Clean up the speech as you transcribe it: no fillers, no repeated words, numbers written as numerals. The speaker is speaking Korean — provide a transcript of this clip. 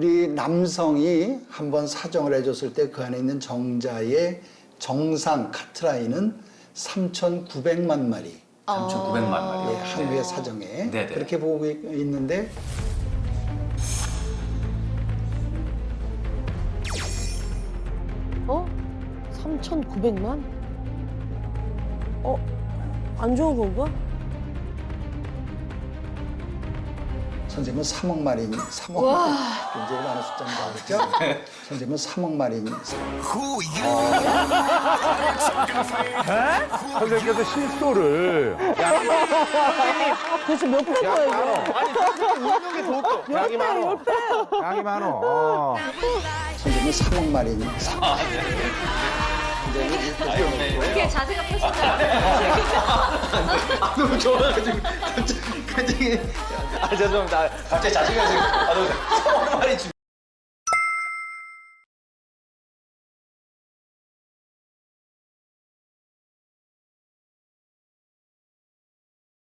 우리 남성이 한번 사정을 해줬을 때 그 안에 있는 정자의 정상 카트라인은 3,900만 마리. 3,900만 마리요. 예, 한 회 사정에 네네. 그렇게 보고 있는데 어? 3,900만? 안 좋은 건가? 선생님은 3억 마리니 3억 마리 굉장히 많은 숫자입니다. 그렇죠? 선생님은 3억 마리니 선생님께서 실소를 도대체 몇 배인 거야, 이거? 양이 많어. 양이 많어. 선생님은 3억 마리니 3억. 이렇게 자세가 펴진다. 너무 좋아가지고 갑자기 죄송합니다. 갑자기 자신감이 너무 말이 좀.